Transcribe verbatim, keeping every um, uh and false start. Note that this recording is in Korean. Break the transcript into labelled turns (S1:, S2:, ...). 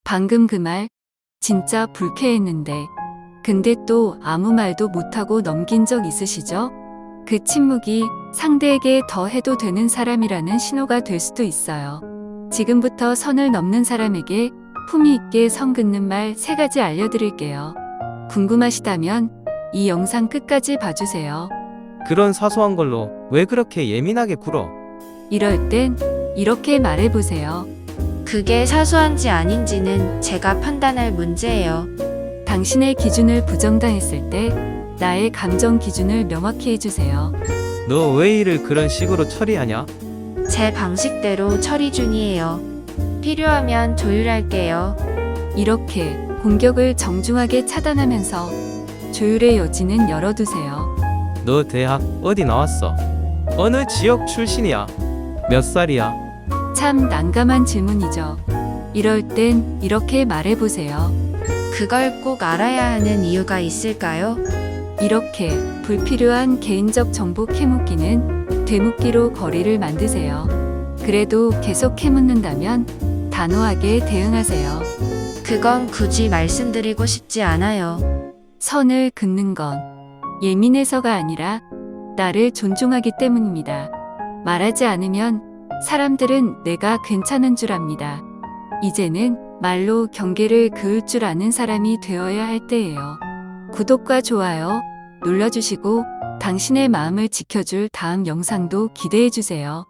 S1: 방금 그 말 진짜 불쾌했는데 근데 또 아무 말도 못하고 넘긴 적 있으시죠? 그 침묵이 상대에게 더 해도 되는 사람이라는 신호가 될 수도 있어요. 지금부터 선을 넘는 사람에게 품위 있게 선 긋는 말 세 가지 알려드릴게요. 궁금하시다면 이 영상 끝까지 봐주세요.
S2: 그런 사소한 걸로 왜 그렇게 예민하게 굴어?
S1: 이럴 땐 이렇게 말해보세요.
S3: 그게 사소한지 아닌지는 제가 판단할 문제예요.
S1: 당신의 기준을 부정당했을 때 나의 감정 기준을 명확히 해주세요.
S2: 너 왜 일을 그런 식으로 처리하냐?
S3: 제 방식대로 처리 중이에요. 필요하면 조율할게요.
S1: 이렇게 공격을 정중하게 차단하면서 조율의 여지는 열어두세요.
S2: 너 대학 어디 나왔어? 어느 지역 출신이야? 몇 살이야?
S1: 참 난감한 질문이죠. 이럴 땐 이렇게 말해보세요.
S3: 그걸 꼭 알아야 하는 이유가 있을까요?
S1: 이렇게 불필요한 개인적 정보 캐묻기는 되묻기로 거리를 만드세요. 그래도 계속 캐묻는다면 단호하게 대응하세요.
S3: 그건 굳이 말씀드리고 싶지 않아요.
S1: 선을 긋는 건 예민해서가 아니라 나를 존중하기 때문입니다. 말하지 않으면 사람들은 내가 괜찮은 줄 압니다. 이제는 말로 경계를 그을 줄 아는 사람이 되어야 할 때예요. 구독과 좋아요 눌러주시고 당신의 마음을 지켜줄 다음 영상도 기대해주세요.